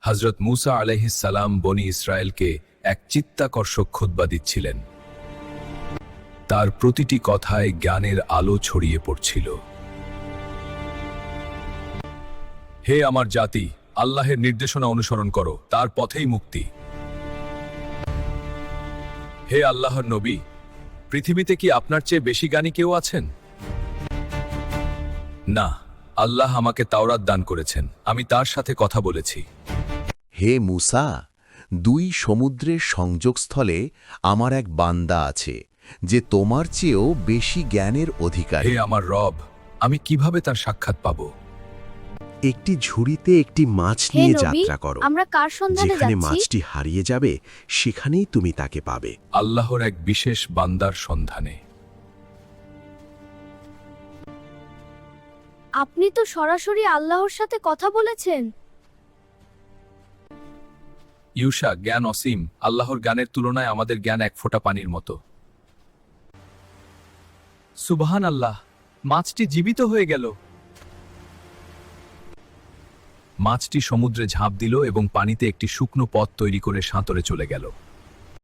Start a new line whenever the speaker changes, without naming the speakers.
হযরত মূসা আলাইহিস সালাম বনি ইসরায়েলকে এক চিত্তাকর্ষক খুতবা দিচ্ছিলেন। তার প্রতিটি কথায় জ্ঞানের আলো ছড়িয়ে পড়ছিল। হে আমার জাতি, আল্লাহের নির্দেশনা অনুসরণ করো, তার পথেই মুক্তি। হে আল্লাহর নবী, পৃথিবীতে কি আপনার চেয়ে বেশি জ্ঞানী কেউ আছেন? না, আল্লাহ আমাকে তাওরাত দান করেছেন, আমি তার সাথে কথা বলেছি।
হে মূসা, দুই সমুদ্রের সংযোগস্থলে আমার এক বান্দা আছে, যে তোমার চেয়েও বেশি জ্ঞানের অধিকারী।
হে আমার রব, আমি কিভাবে তার সাক্ষাৎ পাব?
একটি ঝুড়িতে একটি মাছ
হে
নিয়ে
নবী,
যাত্রা করো।
আমরা কার সন্ধানে
যেখানে
যাচ্ছি?
মাছটি হারিয়ে যাবে, সেখানেই তুমি তাকে পাবে।
আল্লাহর এক বিশেষ বান্দার সন্ধানে।
আপনি তো সরাসরি আল্লাহর সাথে কথা বলেছেন।
ইউশা, জ্ঞান অসীম, আল্লাহর জ্ঞানের তুলনায় আমাদের জ্ঞান এক ফোঁটা পানির মতো। সুবহান আল্লাহ, মাছটি জীবিত হয়ে গেল। মাছটি সমুদ্রে ঝাঁপ দিল এবং পানিতে একটি শুকনো পথ তৈরি করে সাঁতরে চলে গেল।